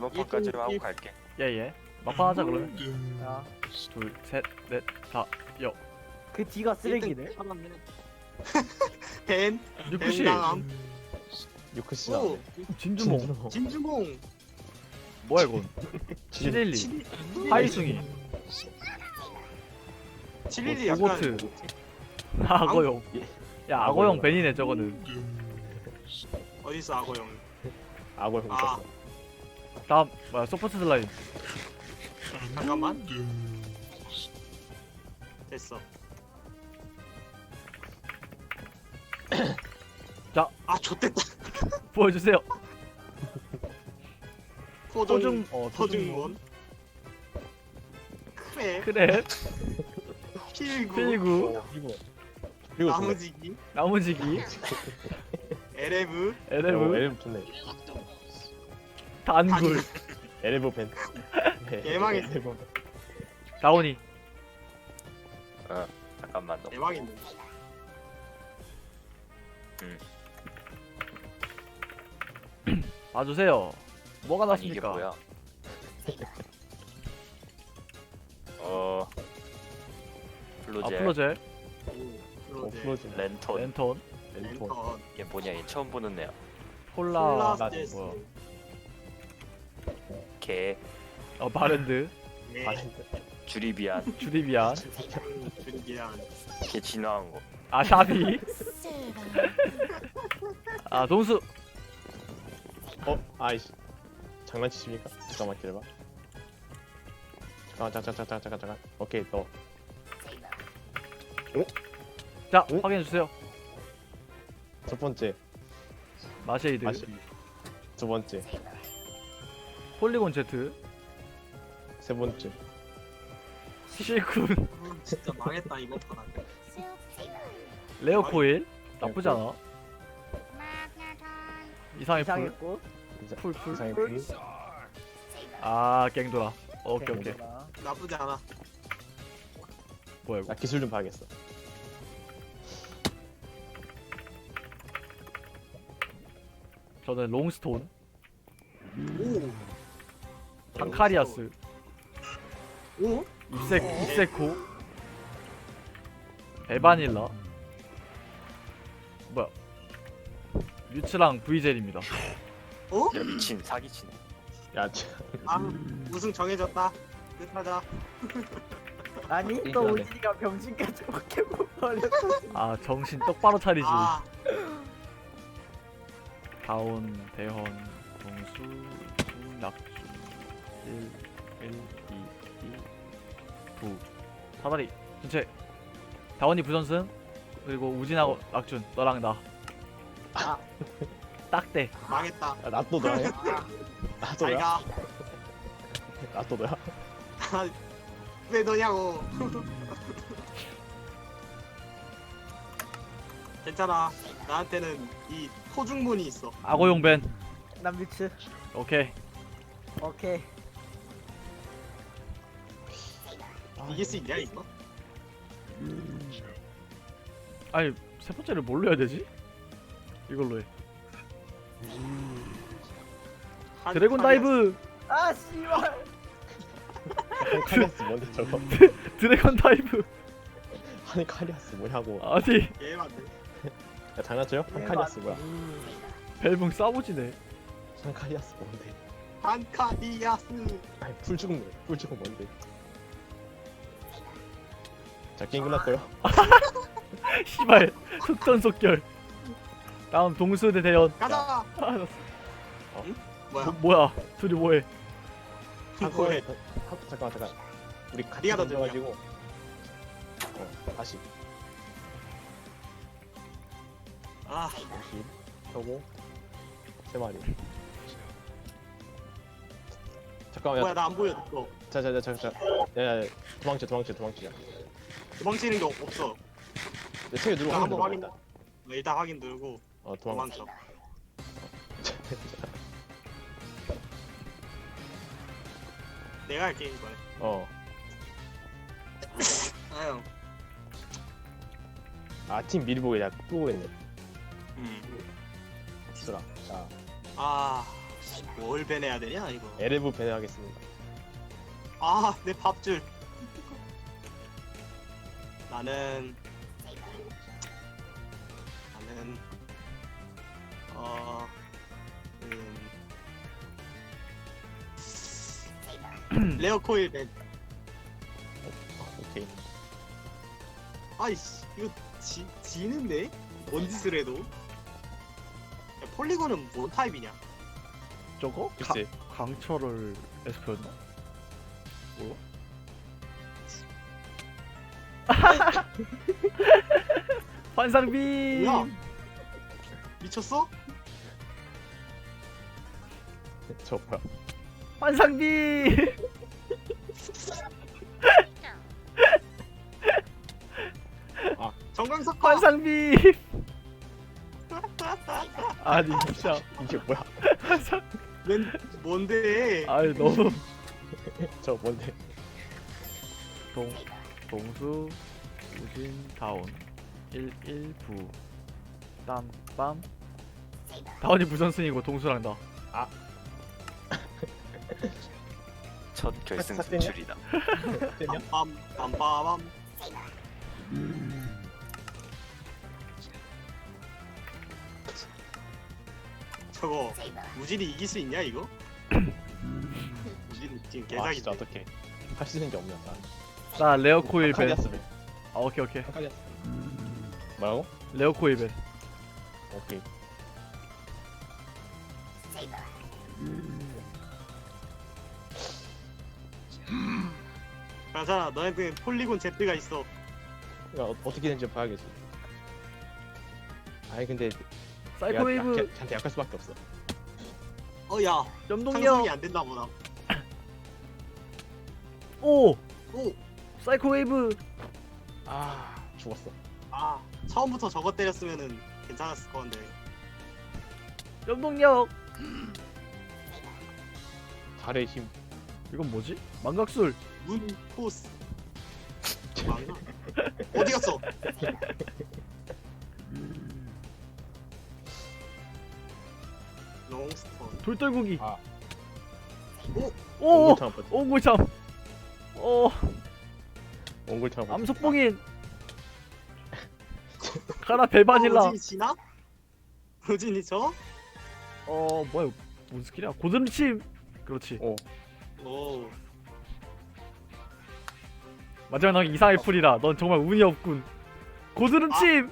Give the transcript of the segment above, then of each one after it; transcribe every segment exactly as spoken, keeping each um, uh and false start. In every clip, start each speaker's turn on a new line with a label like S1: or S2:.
S1: 이번판까지만 하고
S2: 일-
S1: 갈게.
S3: 예예. 막판 하자 그러면.
S2: 야,
S3: 둘, 셋, 넷, 다, 여.
S2: 그 뒤가 쓰레기네.
S4: 벤
S3: 유쿠시.
S4: 벤당함
S5: 유크씨
S4: 오
S5: 나오네.
S3: 진주몽.
S4: 진주몽
S3: 뭐야 이건? 칠일이. 하이숭이.
S4: 칠일이
S3: 오-
S4: 약간
S3: 오고트. 악어용. 야 악어용 벤이네 저거는.
S4: 어딨어 악어형
S5: 악어 형
S4: 아.
S5: 있었어.
S3: 다음 뭐야 소프트 슬라임.
S4: 잠깐만 됐어
S3: 자.
S4: 아 좆됐다
S3: 보여주세요.
S4: 토종
S3: 토중 어
S4: 토중몬 크랩
S3: 크랩
S4: 필구
S3: 필구
S5: 어, 이거 그리고
S4: 나무지기
S3: 나무지기
S4: 에레브
S3: 에레브
S5: 엘브 좋네.
S3: 단굴
S5: 엘브 벤.
S4: 개망했어.
S5: 엘브.
S3: 다오니.
S1: 어 잠깐만 너.
S4: 대박이네
S3: 봐주세요. 뭐가
S1: 아니 이게
S3: 났습니까?
S1: 뭐야? 어
S3: 아
S1: 플로젤,
S3: 플로젤,
S5: 어 플로즈.
S1: 랜턴.
S3: 랜턴,
S5: 랜턴.
S4: 랜턴
S1: 얘 뭐냐? 얘 처음 보는 애야.
S3: 폴라,
S4: 폴라스테스
S3: 뭐야?
S1: 개,
S3: 어 바렌드,
S4: 네
S5: 바렌드.
S1: 주리비안,
S3: 주리비안,
S4: 준비한
S1: 개 진화한 거.
S3: 아 샤비, 아 동수.
S5: 어 아이씨. 장난치십니까? 잠깐만 기다려봐. 잠깐 잠깐 잠깐 잠깐 잠깐. 오케이 너.
S3: 자
S5: 응?
S3: 확인해 주세요.
S5: 첫 번째
S3: 마쉐이드,
S5: 마시. 두 번째
S3: 폴리곤 제트,
S5: 세 번째
S3: 실쿤,
S4: 음, 진짜 망했다 이번 판
S3: 레오코일 나쁘지 않아. 이상의 풀,
S2: 이상했고.
S5: 이사-
S3: 풀, 풀.
S5: 이상의 풀.
S3: 아 갱돌아. 오케이 오케이.
S4: 나쁘지 않아
S3: 뭐야 이거?
S5: 나 기술 좀 봐야겠어.
S3: 저는 롱스톤,
S4: 오
S3: 상카리아스,
S4: 오?
S3: 입세 입세코, 에바닐라. 뭐야? 뮤츠랑 브이젤입니다.
S4: 어?
S1: 야 미친 사기친.
S5: 야 참.
S4: 아 우승 정해졌다 끝하자
S2: 아니 또
S5: 이겨내.
S2: 오진이가 병신까지 포켓몬 버렸어.
S3: 아 정신 똑바로 차리지.
S4: 아
S3: 다운, 대헌, 동수, 수, 낙준, 일, 일, 이, 이, 구. 사다리 전체. 다원이 부전승. 그리고 우진하고 낙준 너랑 나.
S2: 아.
S3: 딱대.
S4: 망했다
S5: 야, 나또 너야? 나또 너야?
S4: 잘가
S5: 나또 너야?
S4: 왜 너냐고 괜찮아 나한테는 이 토중문이 있어
S3: 악어용 밴.
S2: 난 뮤츠.
S3: 오케이.
S2: 오케이.
S4: 이길 수 있냐 이거?
S3: 아니 세 번째를 뭘로 해야 되지? 이걸로 해.
S4: 한-
S3: 드래곤
S4: 한-
S3: 다이브.
S2: 아 씨발.
S5: 카리아스 뭔데 저거?
S3: 드래곤 다이브.
S5: 아니 카리아스 뭐냐고.
S3: 아니
S4: 예 맞네
S5: 야 장난쳐요? 한 카리아스 뭐야?
S3: 벨붕 싸우지네.
S5: 한 카리아스 뭔데?
S4: 한카디아스
S5: 아니 풀 죽은 거야. 풀 죽은 뭔데? 자 게임 끝났고요.
S3: 시발 속전속결. 다음 동수 대 대현.
S4: 가자
S3: 아,
S4: 뭐야
S3: 뭐, 뭐야 둘이 뭐해?
S4: 뭐해
S5: 하, 잠깐만 잠깐. 우리 같이
S4: 네가 더
S5: 던져가지고. 어 다시
S4: 아
S5: 다시 펴고 세 마리. 잠깐만
S4: 뭐야
S5: 야.
S4: 나 안 보여 너
S5: 자자자 잠깐. 야야 도망쳐 도망쳐 도망쳐.
S4: 도망치는 게 없어
S5: 내 책에 누르고
S4: 나 한번
S5: 확인
S4: 확인
S5: 들어가.
S4: 나 일단 확인 누르고
S5: 어 도망쳐.
S4: 도망쳐 내가 할게 이번에
S5: 어.
S4: 아형
S5: 아 팀 미리 보고 야 끄고 있네.
S4: 음.
S5: 쓰라. 자
S4: 아 뭘 배내야 되냐 이거.
S5: 에레브 배내하겠습니다.
S4: 아, 내 밥줄. 나는 나는 어 음, 레어 코일 밴.
S5: 오케이.
S4: 아이씨, 이거 지 지는데? 뭔 짓을 해도? 야, 폴리곤은 뭔 타입이냐?
S3: 저거?
S5: 글쎄.
S3: 가, 강철을 에스퍼였나? 뭐야? 환상빔!
S4: 뭐야? 미쳤어?
S5: 저 뭐야?
S3: 환상빔!
S4: 정강석화.
S3: 환상빔! 아니 진짜
S5: 이게 뭐야?
S3: 환상
S4: 웬 뭔데?
S3: 아니 너무
S5: 저 뭔데?
S3: 동 동수 우진 다운 일일구 땀빰 다운이 부선승이고 동수랑 나
S1: 첫 결승
S5: 삭삭 되냐?
S1: 진출이다.
S5: 되냐?
S4: 빰빰 빰빰빰. 저거 무진이 이길 수 있냐 이거? 무진 지금
S5: 아 진짜
S4: 개사기인데.
S5: 어떡해. 할 수 있는 게 없냐?
S3: 나 레어 코일 밴.
S5: 카리아스네.
S3: 아 오케이 오케이
S5: 카리아스. 뭐라고?
S3: 레어 코일 밴.
S5: 오케이.
S4: 그나저나 너한테는 폴리곤 Z가 있어.
S5: 야, 어, 어떻게 되는지 봐야겠어. 아니 근데
S3: 사이코 웨이브
S5: 한테 약할 수밖에 없어.
S4: 어야
S3: 염동력
S4: 상성이 안 됐나 보다.
S3: 오
S4: 오!
S3: 사이코 웨이브
S5: 아 죽었어.
S4: 아 처음부터 저거 때렸으면은 괜찮았을 건데.
S3: 염동력
S5: 달의 힘.
S3: 이건 뭐지? 망각술
S4: 문 포스. 맞나? 어디 갔어? 롱스톤.
S3: 돌떨구기
S5: 아.
S4: 오!
S3: 오
S5: 옹골창 버티.
S3: 오골참 오
S5: 옹골창 버티.
S3: 암석봉인 가라 벨바질라
S4: 우진이 지나? 우진이 저?
S3: 어 뭐야 이거 뭔 스킬이야 고드름침 그렇지
S5: 오.
S4: 오.
S3: 마지막 난 이상의 풀이라 넌 정말 운이 없군 고드름침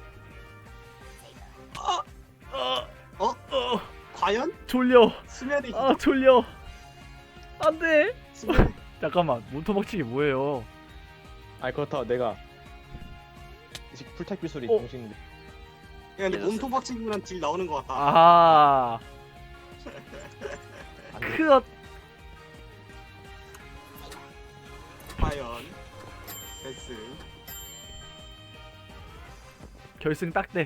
S4: 아!
S3: 어,
S4: 어?
S3: 어,
S4: 과연?
S3: 졸려
S4: 수면의
S3: 아 졸려 안돼
S4: 수면.
S3: 잠깐만 문토박치기 뭐예요
S5: 아니 그렇다고 내가 이 풀탑 기술이
S3: 어.
S5: 정신.
S4: 야, 근데
S1: 예졌어.
S4: 몸통박 친구랑 딜 나오는 것 같다.
S3: 아하
S5: 안 돼.
S3: 크엇
S4: 과연. 베스.
S3: 결승 딱대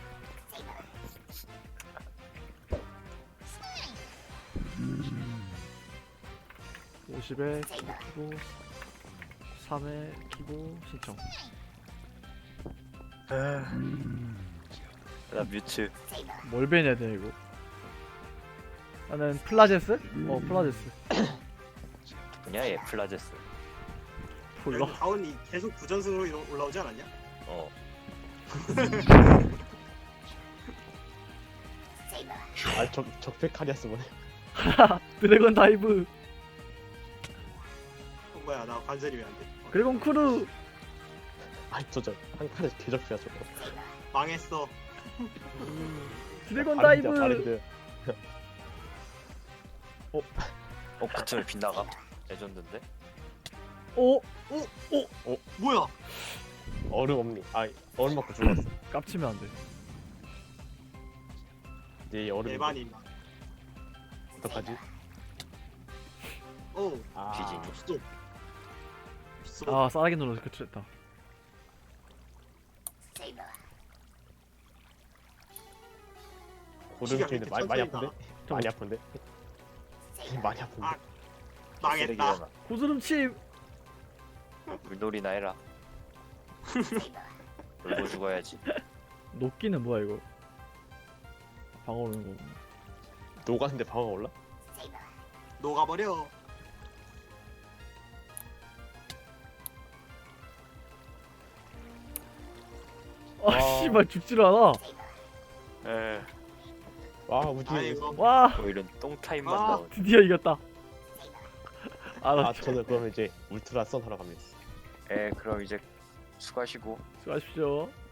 S3: 오십에 키고 삼에 키고 신청
S1: 나 뮤츠.
S3: 뭘 배내야 돼 이거 나는 플라제스? 어 플라제스
S1: 그냥 얘 플라제스.
S3: 불러
S4: 다운이 계속 부전승으로 이러- 올라오지 않았냐?
S1: 어.
S5: 아적 적백 카리아스 보네.
S3: 드래곤 다이브
S4: 어, 뭐야 나 관절이 왜 안 돼? 어,
S3: 드래곤 크루
S5: 아이 저저 한 칸에 개적피야 저거.
S4: 망했어.
S3: 드래곤
S5: 아,
S3: 다이브
S5: 바른데, 바른데.
S1: 어 그쯤에 빗나가. 레전드인데.
S3: 오
S4: 뭐야?
S5: 얼음 없니? 아 얼음 맞고 죽었어.
S3: 깝치면 안돼
S5: 네 얼음.
S4: 대반이.
S5: 어떡하지?
S4: 오.
S5: 아.
S1: 비지니.
S4: 스톱. 스톱.
S3: 아 싸게 눌러서 그쳤다
S5: 고름
S4: 키가
S5: 트인데
S4: 그렇게
S5: 많이 많이
S4: 천천히
S5: 아픈데? 많이 아픈데? 많이 아픈데?
S4: 아. 망했다.
S1: 쓰레기잖아.
S3: 고드름침
S1: 물놀이나 해라. 놀고 죽어야지.
S3: 녹기는 뭐야 이거 방어 오는 거
S5: 녹았는데 방어가 올라?
S4: 녹아버려.
S3: 아 씨발 죽지를 않아.
S1: 에
S5: 와 우주.
S4: 아이고.
S3: 와
S1: 오히려 똥타임만
S4: 아.
S1: 나오네.
S3: 드디어 이겼다. 아, 나
S5: 아 저는 그럼 이제 울트라 선 하러 갑니다.
S1: 에 그럼 이제 수고하시고.
S3: 수고하십시오.